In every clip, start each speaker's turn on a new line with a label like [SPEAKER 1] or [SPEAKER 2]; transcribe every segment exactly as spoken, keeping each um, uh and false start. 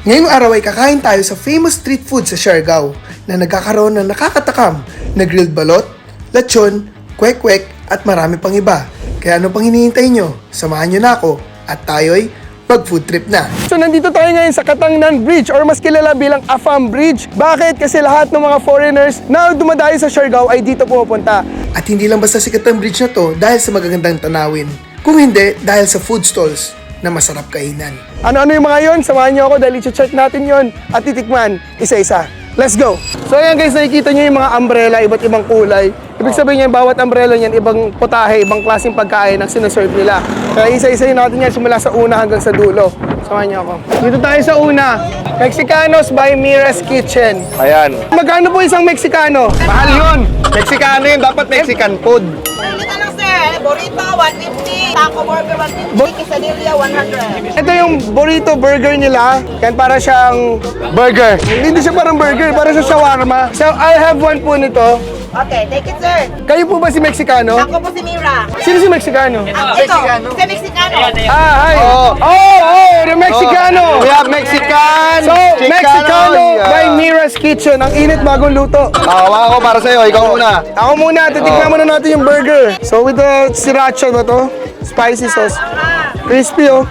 [SPEAKER 1] Ngayong araw ay kakain tayo sa famous street food sa Siargao na nagkakaroon ng nakakatakam na grilled balot, lechon, kwek-kwek at marami pang iba. Kaya ano pang hinihintay nyo? Samahan nyo na ako at tayo'y mag-food trip na. So nandito tayo ngayon sa Katangnan Bridge or mas kilala bilang Afam Bridge. Bakit? Kasi lahat ng mga foreigners na dumadayo sa Siargao ay dito pumupunta. At hindi lang basta sikat ang bridge na to dahil sa magagandang tanawin. Kung hindi, dahil sa food stalls na masarap kainan. Ano-ano yung mga yon? Samahan niyo ako dahil i-check natin yon at titikman isa-isa. Let's go! So ayan guys, nakikita niyo yung mga umbrella, iba't ibang kulay. Ibig sabihin niyan, bawat umbrella niyan, ibang putahe, ibang klaseng pagkain ang sinaserve nila. Kaya isa-isayin natin yan simula sa una hanggang sa dulo. Samahan niyo ako. Dito tayo sa una, Mexicanos by Mira's Kitchen.
[SPEAKER 2] Ayan.
[SPEAKER 1] Magkano po isang Mexicano?
[SPEAKER 2] Mahal yun. Mexicano yun. Dapat Mexican food.
[SPEAKER 3] Dito lang sir, burrito one fifty, taco burger one fifty, quesadilla one hundred.
[SPEAKER 1] Ito yung burrito burger nila. Yan para siyang burger. Hindi siya parang burger, para sa shawarma. So, I have one po nito.
[SPEAKER 3] Okay, take it sir.
[SPEAKER 1] Kayo po ba si Mexicano?
[SPEAKER 3] Ako po si Mira.
[SPEAKER 1] Sino si Mexicano?
[SPEAKER 3] Ah, ito, si Mexicano.
[SPEAKER 1] Ah, hi.
[SPEAKER 2] Oh.
[SPEAKER 1] Oh, oh, the Mexicano.
[SPEAKER 2] We have Mexican.
[SPEAKER 1] So,
[SPEAKER 2] Chicano,
[SPEAKER 1] Mexicano
[SPEAKER 2] yeah.
[SPEAKER 1] by Mira's Kitchen. Ang init bagong luto.
[SPEAKER 2] Hawa ako para sa'yo. Ikaw muna.
[SPEAKER 1] Ako muna, titignan muna natin yung burger. So, with the sriracha ba to? Spicy sauce. Crispy, oh.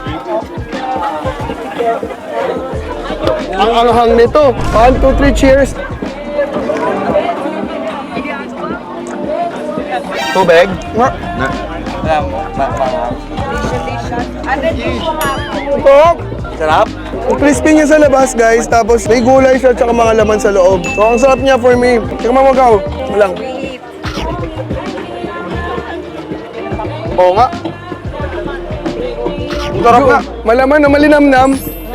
[SPEAKER 1] Ang anghang nito. One, two, three, cheers.
[SPEAKER 2] Tubig.
[SPEAKER 1] Nga. Sarap.
[SPEAKER 2] Sarap.
[SPEAKER 1] Ang crispy niya sa labas, guys. Tapos may gulay siya at saka mga laman sa loob. So, ang sarap niya for me. Tingnan mo magaw. Walang. Oo nga. Ang sarap nga. Malaman na malinamnam.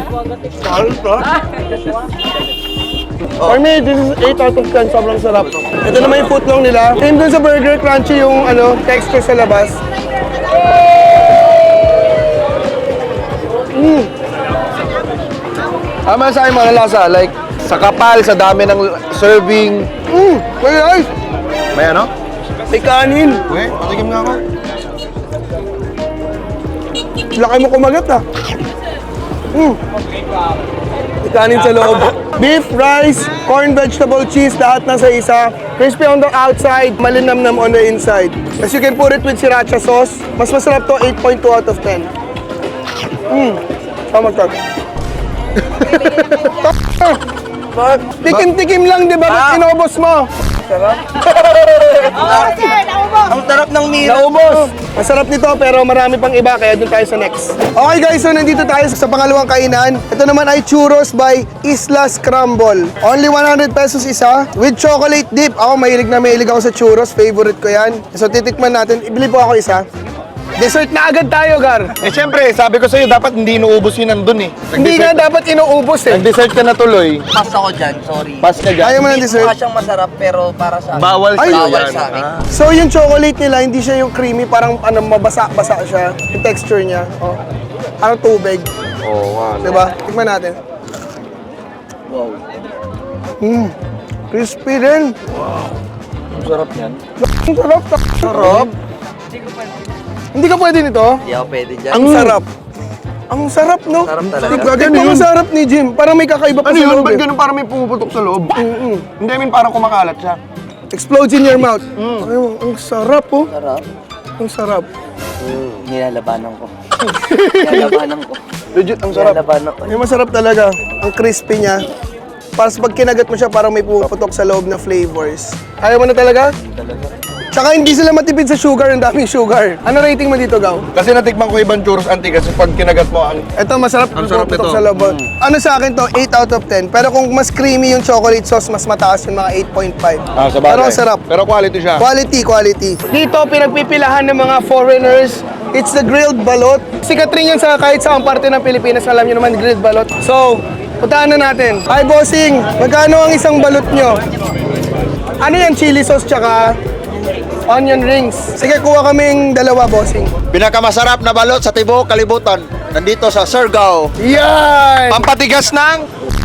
[SPEAKER 1] For me, this is eight out of ten. Sobrang sarap. Ito naman yung footlong nila. Same dun sa burger, crunchy yung ano, texture sa labas. Mm.
[SPEAKER 2] Tama sa akin mga lasa. Like, sa kapal, sa dami ng serving.
[SPEAKER 1] Mm. May rice.
[SPEAKER 2] May ano?
[SPEAKER 1] May kanin.
[SPEAKER 2] Okay, patikim nga ako.
[SPEAKER 1] Laki mo kumagat ah. Mm. May kanin sa loob. Beef, rice, corn, vegetable, cheese, lahat nasa isa. Crispy on the outside, malinamnam on the inside. As you can put it with sriracha sauce. Mas masarap to, eight point two out of ten. Mmm. Tama ka. Tikim-tikim lang, di ba? Ba't inubos mo?
[SPEAKER 3] Oh sir, naubos.
[SPEAKER 2] Ang sarap ng mira.
[SPEAKER 1] Naubos! Masarap nito pero marami pang iba kaya dun tayo sa next. Okay guys, so nandito tayo sa pangalawang kainan. Ito naman ay churros by Isla Scramble. Only one hundred pesos isa with chocolate dip. Ako mahilig na mahilig ako sa churros. Favorite ko yan. So titikman natin. Ibili po ako isa. Dessert na agad tayo, Gar.
[SPEAKER 2] Eh, siyempre, sabi ko sa'yo, dapat hindi inuubos yun nandun eh.
[SPEAKER 1] Hindi nga dapat inuubos eh.
[SPEAKER 2] Nag-dessert ka na tuloy.
[SPEAKER 4] Pass ako dyan, sorry.
[SPEAKER 2] Pass ka dyan.
[SPEAKER 1] Ayaw mo ng
[SPEAKER 4] Hindi
[SPEAKER 1] dessert?
[SPEAKER 4] mukha siyang masarap pero para sa akin.
[SPEAKER 2] Bawal
[SPEAKER 1] Ay,
[SPEAKER 2] sa'yo
[SPEAKER 4] bawal
[SPEAKER 2] yan.
[SPEAKER 4] sa akin.
[SPEAKER 2] Ah.
[SPEAKER 1] So yung chocolate nila, hindi siya yung creamy, parang ano, mabasa-basa siya. Yung texture niya. Oh. Parang tubig.
[SPEAKER 2] Oo nga.
[SPEAKER 1] Diba? Tikman natin.
[SPEAKER 4] Wow.
[SPEAKER 1] Mmm. Crispy din.
[SPEAKER 2] Ang sarap yan.
[SPEAKER 1] Ang sarap. Sarap. Hindi ka pwede nito?
[SPEAKER 4] Hindi ako pwede dyan.
[SPEAKER 1] Ang sarap. Ang sarap, no?
[SPEAKER 4] Sarap talaga.
[SPEAKER 1] Tignan tignan mo sarap ni Jim. Parang may kakaiba pa
[SPEAKER 2] Ano
[SPEAKER 1] sa
[SPEAKER 2] yun?
[SPEAKER 1] loob
[SPEAKER 2] Ba't
[SPEAKER 1] eh.
[SPEAKER 2] ganun parang may pumuputok sa loob?
[SPEAKER 1] Mm-mm.
[SPEAKER 2] Hindi, I mean parang kumakalat siya.
[SPEAKER 1] Explodes in your mouth. Ay, ang sarap, oh.
[SPEAKER 4] Sarap.
[SPEAKER 1] Ang sarap.
[SPEAKER 4] Mm, nilalabanan ko. Nilalabanan ko.
[SPEAKER 2] Legit, ang sarap.
[SPEAKER 4] Nilalabanan ko.
[SPEAKER 1] Yung masarap talaga. Ang crispy niya. Para pag kinagat mo siya, parang may pumuputok sa loob na flavors. Ayaw mo na talaga?
[SPEAKER 4] Talaga.
[SPEAKER 1] Tsaka hindi sila matipid sa sugar, ang daming sugar. Ano rating mo dito, Gaw?
[SPEAKER 2] Kasi natikman ko ibang churros anti kasi pag kinagat mo, ang
[SPEAKER 1] Ito, masarap.
[SPEAKER 2] Ang sarap
[SPEAKER 1] pumuputok
[SPEAKER 2] nito.
[SPEAKER 1] sa loob. Ano sa akin to, eight out of ten. Pero kung mas creamy yung chocolate sauce, mas mataas yung mga eight point five.
[SPEAKER 2] Ah, sa bagay.
[SPEAKER 1] Pero ang sarap.
[SPEAKER 2] Pero quality siya.
[SPEAKER 1] Quality, quality. Dito, pinagpipilahan ng mga foreigners. It's the grilled balot. Sikat rin yan sa kahit saang parte ng Pilipinas. Alam nyo naman, grilled balot. So, puntahan na natin. Hi, bossing. Magkano ang isang balot nyo? Ano yan? Chili sauce tsaka onion rings. Sige, kuha kaming dalawa, bossing.
[SPEAKER 5] Pinakamasarap na balot sa Tibo, Kalibutan. Nandito sa Siargao.
[SPEAKER 1] Yan!
[SPEAKER 2] Pampatigas ng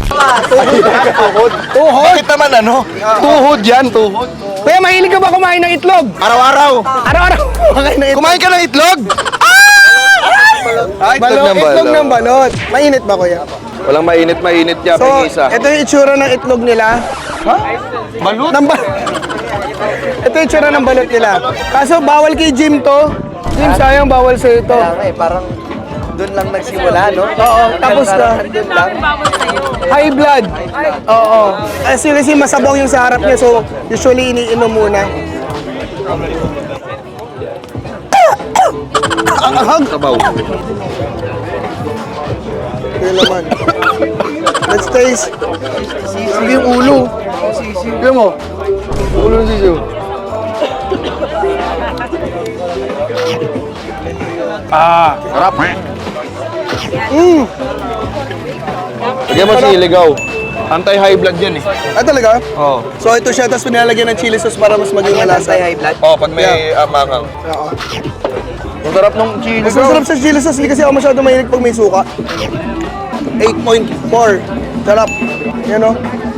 [SPEAKER 1] Tuhod?
[SPEAKER 2] Bakit naman ano? Tuhod yan, tuhod.
[SPEAKER 1] Kuya, mahilig ka ba kumain ng itlog?
[SPEAKER 2] Araw-araw.
[SPEAKER 1] Araw-araw kumain ng itlog.
[SPEAKER 2] Kumain ka ng itlog?
[SPEAKER 1] Balot,
[SPEAKER 2] Itlog ng
[SPEAKER 1] itlog
[SPEAKER 2] balot.
[SPEAKER 1] ng balot. Mainit ba, kuya?
[SPEAKER 2] Walang mainit-mainit niya,
[SPEAKER 1] So,
[SPEAKER 2] pingisa.
[SPEAKER 1] ito yung itsura ng itlog nila.
[SPEAKER 2] Ha? Balut?
[SPEAKER 1] Ng ba- ito yung itsura ng balot nila. Kaso, bawal kay Jim to. Jim, sayang bawal sa ito.
[SPEAKER 4] Kaya nga eh, parang doon lang nagsimula, no?
[SPEAKER 1] Oo, tapos na.
[SPEAKER 4] Doon lang.
[SPEAKER 1] High blood. Oo. Kasi kasi masabaw yung sa harap niya, so usually iniinom muna. Ang ahag.
[SPEAKER 2] Sabaw.
[SPEAKER 1] Kaya naman. Let's taste. Sige yung ulo. Sige mo. Ulo ng sisiyo.
[SPEAKER 2] Ah, sarap.
[SPEAKER 1] Mm.
[SPEAKER 2] Bigyan mo siligaw. Anti-high blood yan eh.
[SPEAKER 1] Ah, talaga?
[SPEAKER 2] Oo.
[SPEAKER 1] So ito siya, tapos pinalagyan ng chili sauce para mas maging malasa.
[SPEAKER 4] Anti-high blood.
[SPEAKER 2] Oh, pag may yeah. amangang.
[SPEAKER 1] Oo.
[SPEAKER 2] Ang sarap ng chili.
[SPEAKER 1] Mas masarap sa chili sauce, hindi kasi ako masyado mahilig pag may suka. eight point four. Sarap. Yan o.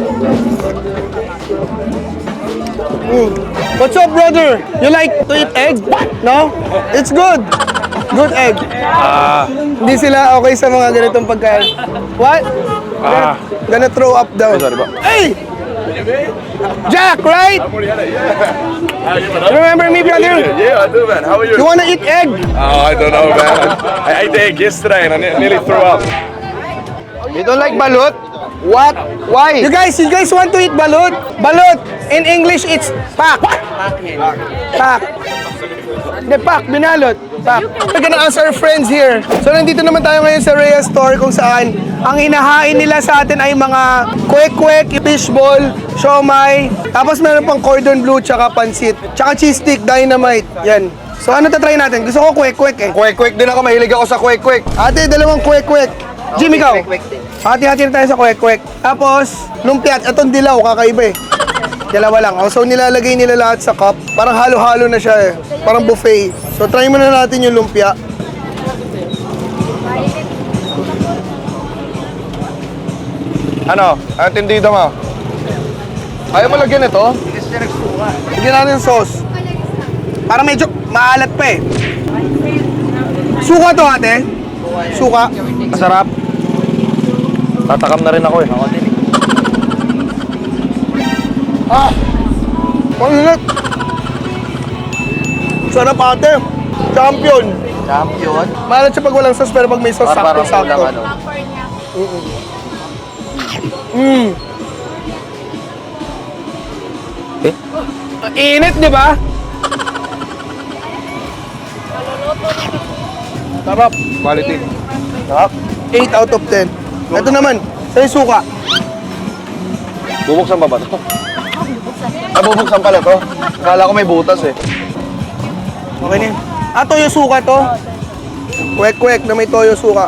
[SPEAKER 1] Mm. What's up, brother? You like to eat egg? No? It's good. Good egg.
[SPEAKER 2] Ah.
[SPEAKER 1] Hindi sila okay sa mga ganitong pagkain. What?
[SPEAKER 2] Ah.
[SPEAKER 1] Gonna throw up daw.
[SPEAKER 2] Sorry ba?
[SPEAKER 1] Hey! Jack, right? You remember me, brother?
[SPEAKER 6] Yeah, I do, man. How are you?
[SPEAKER 1] You wanna eat egg?
[SPEAKER 6] Oh, I don't know, man. I ate the egg yesterday and I ne- nearly threw up.
[SPEAKER 2] You don't like balut? What? Why?
[SPEAKER 1] You guys, you guys want to eat balut? Balut! In English, it's pak. Pak. Hindi, pak. Binalot. Pak. We're gonna ask our friends here. So, nandito naman tayo ngayon sa Rhea Store kung saan ang hinahain nila sa atin ay mga kwek-kwek, fishball, siomay, tapos meron pang cordon bleu, tsaka pansit, tsaka cheese stick, dynamite. Yan. So, ano tatry natin? Gusto ko kwek-kwek eh.
[SPEAKER 2] Kwek-kwek din ako. Mahilig ako sa kwek-kwek.
[SPEAKER 1] Ate, dalawang kwek-kwek. Jim, ikaw?
[SPEAKER 4] Kwek-kwek din.
[SPEAKER 1] Hati-hati na tayo sa kwek-kwek. Tapos, lumpiat. Itong dilaw, kakaiba eh. Dalawa lang. Oh, so, nilalagay nila lahat sa cup. Parang halo-halo na siya eh. Parang buffet. So, try muna natin yung lumpia.
[SPEAKER 2] Ano? Ang tindido mo? Ayaw mo lagyan ito?
[SPEAKER 1] Lagyan natin sauce. Parang medyo maalat pa eh. Suka to, ate. Suka.
[SPEAKER 2] Masarap. Tatakam na rin ako eh.
[SPEAKER 1] Ah! Ang init. Sarap, ate. Champion.
[SPEAKER 4] Champion.
[SPEAKER 1] Maalat siya pag walang sauce, pero pag may sauce,
[SPEAKER 4] Para parang
[SPEAKER 1] sakto-sakto.
[SPEAKER 4] kulang, ano.
[SPEAKER 1] Mm.
[SPEAKER 2] Eh?
[SPEAKER 1] Ang init, di ba? Sarap.
[SPEAKER 2] Quality.
[SPEAKER 1] Sarap. eight out of ten. Ito naman, sa suka.
[SPEAKER 2] Bubuksan pa ba ito? Ah, bubuksan pala to. Akala ko may butas eh.
[SPEAKER 1] Okay na yun. Ah, toyo suka to. Kwek-kwek na may toyo suka.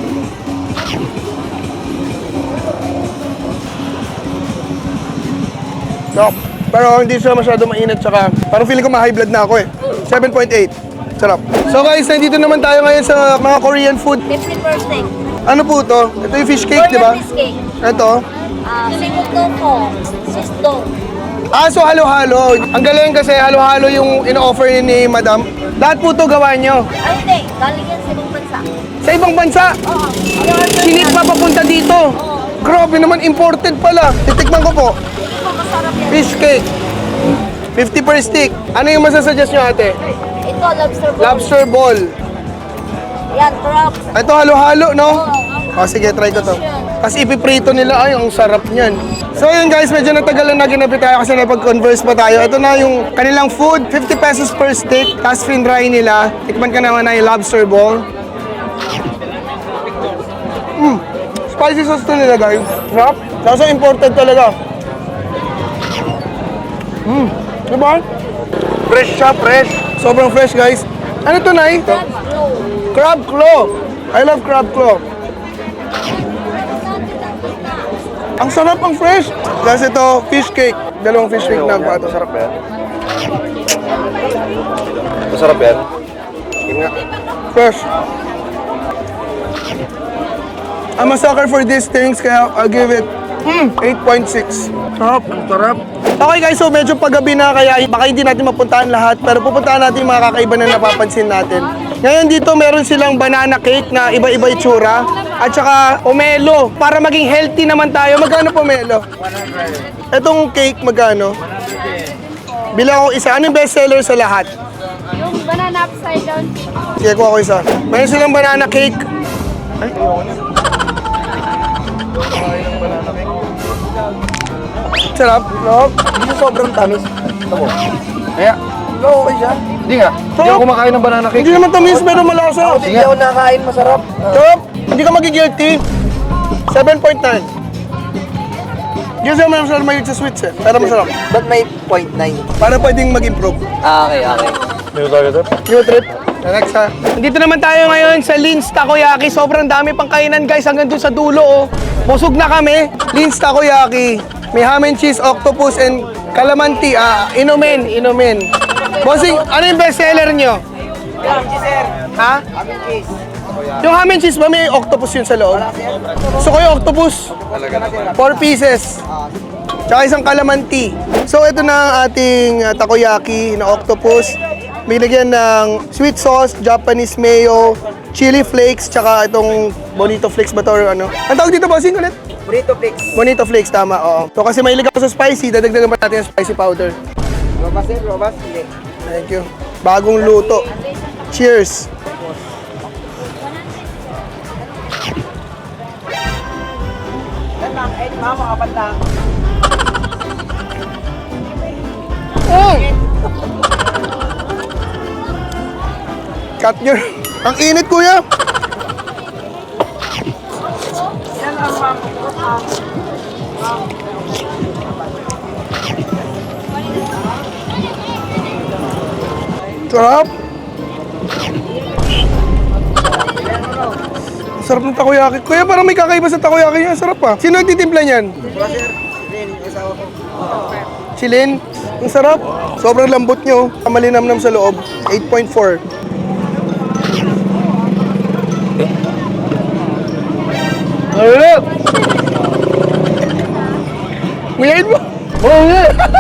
[SPEAKER 1] No, pero hindi siya masyado mainit, tsaka parang feeling ko ma-high blood na ako eh. seven point eight. Sarap. So guys, nandito naman tayo ngayon sa mga Korean food.
[SPEAKER 7] Fifty per steak.
[SPEAKER 1] Ano po to? Ito yung fish cake, di ba?
[SPEAKER 7] Korean fish cake.
[SPEAKER 1] Ito.
[SPEAKER 7] Ah, seafood tofu. Swiss dough.
[SPEAKER 1] Ah, so halo-halo. Ang galing kasi halo-halo yung in-offer ni Madam. Lahat po to gawa nyo.
[SPEAKER 7] Ay, hindi. Galing yan sa ibang bansa.
[SPEAKER 1] Sa ibang bansa,
[SPEAKER 7] Oo. I-order
[SPEAKER 1] sinip pa papunta dito. Grabe naman, imported pala. Titikman ko po.
[SPEAKER 7] Ito, masarap yan.
[SPEAKER 1] Fish cake. fifty per stick. Ano yung masasuggest nyo, ate?
[SPEAKER 7] Ito, lobster ball.
[SPEAKER 1] Lobster ball.
[SPEAKER 7] Yan, crab.
[SPEAKER 1] Ito halo-halo, no?
[SPEAKER 7] Oo.
[SPEAKER 1] O, sige, try ko to. Kasi ipiprito nila, ay, ang sarap niyan. So yun guys, medyo natagalan na ginapit tayo kasi napag-converse pa tayo. Ito na yung kanilang food, fifty pesos per stick. Tapos finry nila. Tikman ka naman na yung lobster ball. Mm. Spicy sauce to nila guys. Sarap. Kaso imported talaga. Mm. Diba? Fresh siya, fresh. Sobrang fresh guys. Ano to, Nay?
[SPEAKER 7] Crab roll.
[SPEAKER 1] Crab claw. I love crab claw. Ang sarap, ang fresh. Kasi ito, fish cake. Dalawang fish cake na pato.
[SPEAKER 2] Masarap yan. Masarap yan.
[SPEAKER 1] Fresh. I'm a sucker for these things, kaya I'll give it mm, eight point six. Sarap, sarap. Okay guys, so medyo paggabi na, kaya baka hindi natin mapuntahan lahat, pero pupuntahan natin yung mga kakaiba na napapansin natin. Ngayon dito meron silang banana cake na iba-iba itsura. At saka pomelo. Para maging healthy naman tayo. Magkano pomelo? Itong cake magkano? Bilang ako isa. Ano yung best seller sa lahat?
[SPEAKER 7] Yung banana upside down.
[SPEAKER 1] Sige, kuha ko isa. Meron silang banana cake. Ay, sarap, no?
[SPEAKER 2] Hindi siya sobrang tamis. Ito mo. Kaya, no, okay siya. Hindi nga. Hindi ako kumakain ng banana cake.
[SPEAKER 1] Hindi naman tamis, pero malasa.
[SPEAKER 2] Hindi ako nakakain, masarap.
[SPEAKER 1] Top, hindi ka magigilty. seven point nine. Hindi kasi naman masarap mahilig sa sweets eh. Pero masarap.
[SPEAKER 4] Ba't may point nine?
[SPEAKER 1] Para pwedeng mag-improve.
[SPEAKER 4] Ah, okay, okay.
[SPEAKER 2] Hindi talaga ito.
[SPEAKER 1] New trip. Next ha. Dito naman tayo ngayon sa Lin's Takoyaki. Sobrang dami pang kainan guys hanggang dun sa dulo oh. Busog na kami. Lin's Takoyaki. May ham and cheese, octopus, and calamanti. Ah, inumin, inumin. Bossing, ano yung best seller nyo? Ha? Yung ham and cheese ba may octopus yun sa loob? Gusto ko yung octopus. Four pieces. Tsaka isang calamanti. So ito na ang ating uh, takoyaki na octopus. Binigyan ng sweet sauce, Japanese mayo, chili flakes, tsaka itong bonito flakes ba to or ano? Ang tawag dito bossing ulit?
[SPEAKER 4] Burrito flakes.
[SPEAKER 1] Bonito flakes, tama, oo. So kasi mahilig ako sa spicy, dadagdagan pa natin yung spicy powder.
[SPEAKER 4] Robas eh, robas. Sige.
[SPEAKER 1] Thank you. Bagong luto. Cheers! Mm. Cut your... Ang init, kuya! Sarap! Sarap ng takoyaki. Kuya, parang may kakaiba sa takoyaki niya. Sarap pa. Sino nagtitimpla niyan? Si Lynn. Ang sarap. Sobrang lambot niyo. Malinamnam sa loob. eight point four. Ayun! Ngayon mo? Oo nga!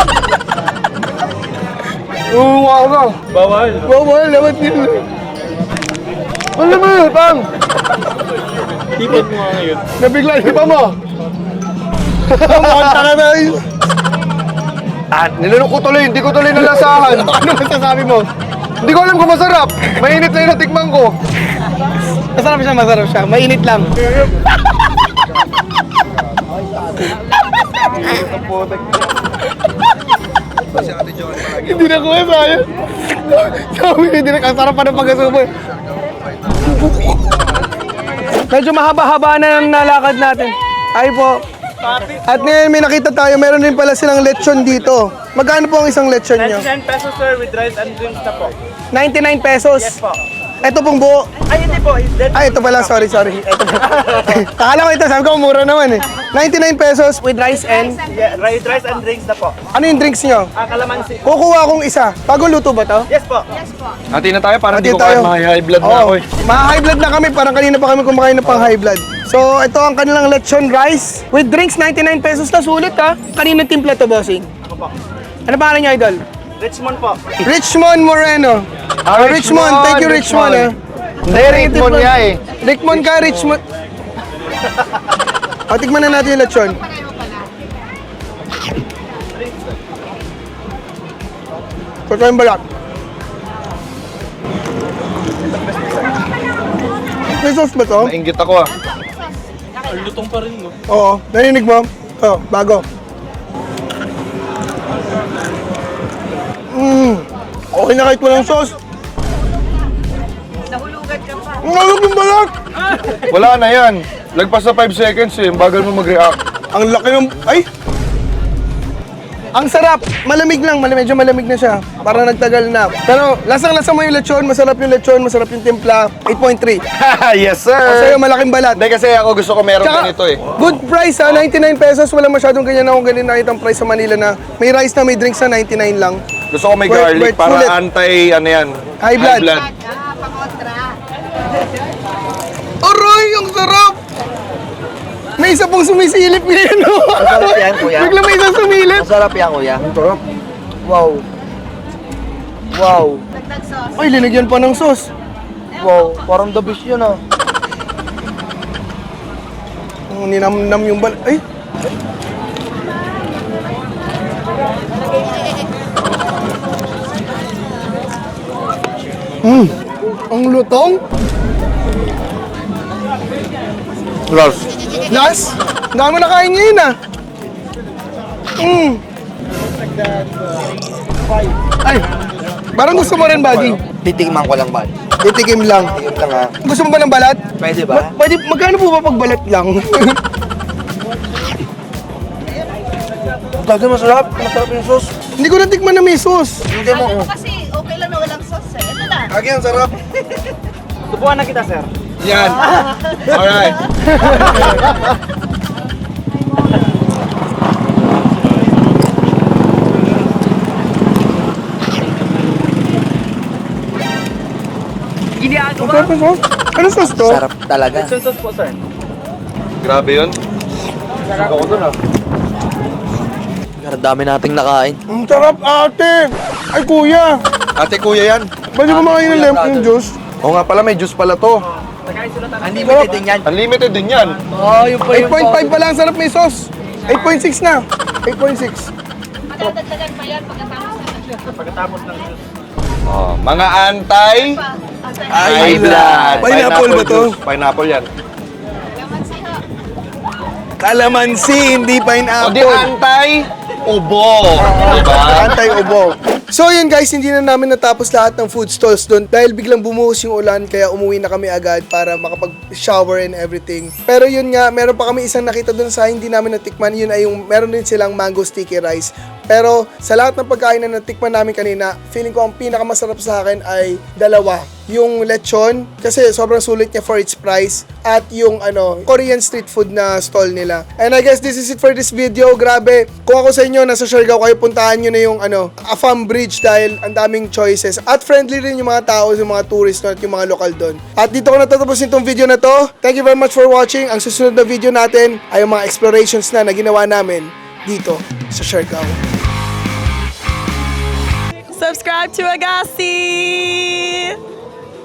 [SPEAKER 1] Oo nga ka!
[SPEAKER 6] Bawal.
[SPEAKER 1] Bawal, lawat yun. Ano naman yun, Pang?
[SPEAKER 6] Tipod mo nga ngayon.
[SPEAKER 1] Nabigla, di ba mo? Kumanta ka na yun.
[SPEAKER 2] At nilunok ko tuloy, hindi ko tuloy nalasahan.
[SPEAKER 1] Ano masasabi mo?
[SPEAKER 2] Hindi ko alam kung masarap. Mainit na yung natikman ko.
[SPEAKER 1] Masarap siya, masarap siya. Mainit lang. Hindi na kuha sa'yo. Sabi, hindi na kasarap pa ng pagkasubo. Medyo mahaba-haba na ang nalakad natin. Ay po. At ngayon may nakita tayo, meron din pala silang lechon dito. Magkano po ang isang lechon nyo?
[SPEAKER 8] ninety-nine pesos sir with rice and drinks na po.
[SPEAKER 1] ninety-nine pesos.
[SPEAKER 8] Yes po.
[SPEAKER 1] Ito pong buo.
[SPEAKER 8] Ay hindi po. That
[SPEAKER 1] Ay, ito pala. Sorry, sorry. Ito pala. Akala ko ito. Sabi ko, mura naman eh. ninety-nine pesos with rice and...
[SPEAKER 8] yeah, rice, rice and drinks na po.
[SPEAKER 1] Ano yung drinks nyo?
[SPEAKER 8] Ah, kalamansi.
[SPEAKER 1] Kukuha akong isa. Bagong luto ba to?
[SPEAKER 8] Yes po.
[SPEAKER 2] Hati na tayo, parang
[SPEAKER 1] Hati
[SPEAKER 2] hindi ko
[SPEAKER 1] tayo.
[SPEAKER 2] kaya high blood na
[SPEAKER 1] Oo.
[SPEAKER 2] ako eh.
[SPEAKER 1] Maha-high blood na kami. Parang kanina pa kami kumakain ng pang high blood. So, ito ang kanilang lechon rice. With drinks, ninety-nine pesos na. Sulit ha. Kanina timpla to, bossing.
[SPEAKER 8] Ako po.
[SPEAKER 1] Ano pangalan niyo, idol?
[SPEAKER 8] Richmond po.
[SPEAKER 1] Richmond Moreno.
[SPEAKER 2] Ah,
[SPEAKER 1] Oh, Richmond. Thank you, Richmond.
[SPEAKER 2] Richmond.
[SPEAKER 1] eh.
[SPEAKER 2] Hindi, Richmond nga eh.
[SPEAKER 1] Richmond ka, Richmond. O, tikman na natin yung lechon. Ito yung balat. May sauce ba to?
[SPEAKER 2] Nainggit ako ah.
[SPEAKER 8] Lutong pa rin no.
[SPEAKER 1] Oo. Narinig mo? Oo, bago. Mmm. Okay na kahit walang sauce.
[SPEAKER 3] Nahulugan ka pa.
[SPEAKER 1] Ang alok yung balat!
[SPEAKER 2] Wala na yan. Lagpas na five seconds eh. Bagal mo mag-react.
[SPEAKER 1] Ang laki ng... Ay! Ang sarap! Malamig lang. Malamig, medyo malamig na siya. Parang nagtagal na. Pero lasang-lasa mo yung lechon. Masarap yung lechon. Masarap yung timpla. eight point three.
[SPEAKER 2] Yes,
[SPEAKER 1] O sa'yo,
[SPEAKER 2] sir.
[SPEAKER 1] malaking balat.
[SPEAKER 2] Hindi kasi ako gusto ko meron
[SPEAKER 1] Tsaka,
[SPEAKER 2] ganito eh.
[SPEAKER 1] good price ha, ninety-nine pesos. Wala masyadong ganyan akong ganyan nakita ang price sa Manila na may rice na may drinks na ninety-nine lang.
[SPEAKER 2] Gusto ko may
[SPEAKER 1] Worth-
[SPEAKER 2] garlic
[SPEAKER 1] worth
[SPEAKER 2] para
[SPEAKER 1] sulit.
[SPEAKER 2] anti, ano yan?
[SPEAKER 1] High blood.
[SPEAKER 3] Ah, pangontra.
[SPEAKER 1] Aray, ang sarap! May isa pong sumisilip ngayon. No?
[SPEAKER 4] Masarap yan, kuya.
[SPEAKER 1] Bigla may isa sumilip.
[SPEAKER 4] Masarap yan, kuya. Wow. Wow.
[SPEAKER 3] Dagdag sauce.
[SPEAKER 1] Ay, linagyan pa ng sauce. Wow, parang the best yun ah. Ang ninamnam yung bal... Ay! Hmm, ang lutong.
[SPEAKER 2] Lars.
[SPEAKER 1] Last, dami mo nakain ngayon ah. Mm. Ay, parang gusto mo rin, buddy.
[SPEAKER 4] Titigman ko lang ba?
[SPEAKER 1] Titikim lang.
[SPEAKER 4] Titigman lang ha.
[SPEAKER 1] Gusto mo ba ng balat?
[SPEAKER 4] Pwede ba?
[SPEAKER 1] Ma- pwede, magkano po ba pag balat lang?
[SPEAKER 4] Gagawin masarap. Masarap yung sauce.
[SPEAKER 1] Hindi ko natikman na may sauce.
[SPEAKER 4] Hindi mo.
[SPEAKER 3] Kasi okay lang na walang sauce eh. Ito na.
[SPEAKER 1] Kagi, ang sarap.
[SPEAKER 8] Subukan na kita, sir.
[SPEAKER 2] Yan. Alright.
[SPEAKER 1] Ang sarap ng sauce. Ano sauce to?
[SPEAKER 4] Sarap talaga.
[SPEAKER 8] Yung sauce po, sir.
[SPEAKER 2] Grabe yun. Ako dun ah.
[SPEAKER 4] Ang dami nating nakain.
[SPEAKER 1] Ang sarap, ate. Ay, kuya.
[SPEAKER 2] Ate kuya yan.
[SPEAKER 1] Pwede ba makain ng lemon juice?
[SPEAKER 2] Oo nga pala, may juice pala to.
[SPEAKER 4] Unlimited din yan.
[SPEAKER 2] Unlimited din yan.
[SPEAKER 4] Oh, yung pa
[SPEAKER 1] eight point five pa lang, sarap may sauce. eight point six na. eight point six.
[SPEAKER 3] Madadagdagan pa yan pagkatapos na.
[SPEAKER 8] Pagkatapos ng juice.
[SPEAKER 2] Oh, mga antay high blood.
[SPEAKER 1] Pineapple ba to?
[SPEAKER 2] juice. Pineapple yan.
[SPEAKER 1] Kalamansi, hindi
[SPEAKER 2] O di
[SPEAKER 1] pineapple.
[SPEAKER 2] antay ubo. Diba?
[SPEAKER 1] Antay-ubo. So yun guys, hindi na namin natapos lahat ng food stalls doon dahil biglang bumuhos yung ulan kaya umuwi na kami agad para makapag-shower and everything. Pero yun nga, meron pa kami isang nakita doon sa hindi namin natikman. Yun ay yung meron din silang mango sticky rice. Pero sa lahat ng pagkain na natikman namin kanina, feeling ko ang pinakamasarap sa akin ay dalawa. Yung lechon, kasi sobrang sulit niya for its price. At yung ano, Korean street food na stall nila. And I guess this is it for this video. Grabe, kung ako sa inyo, nasa Siargao kayo, puntahan nyo na yung ano, Afam Bridge dahil ang daming choices. At friendly rin yung mga tao, yung mga tourist at yung mga lokal doon. At dito ko natatapusin itong video na to. Thank you very much for watching. Ang susunod na video natin ay yung mga explorations na na ginawa namin dito sa Siargao.
[SPEAKER 9] Subscribe to Agassi!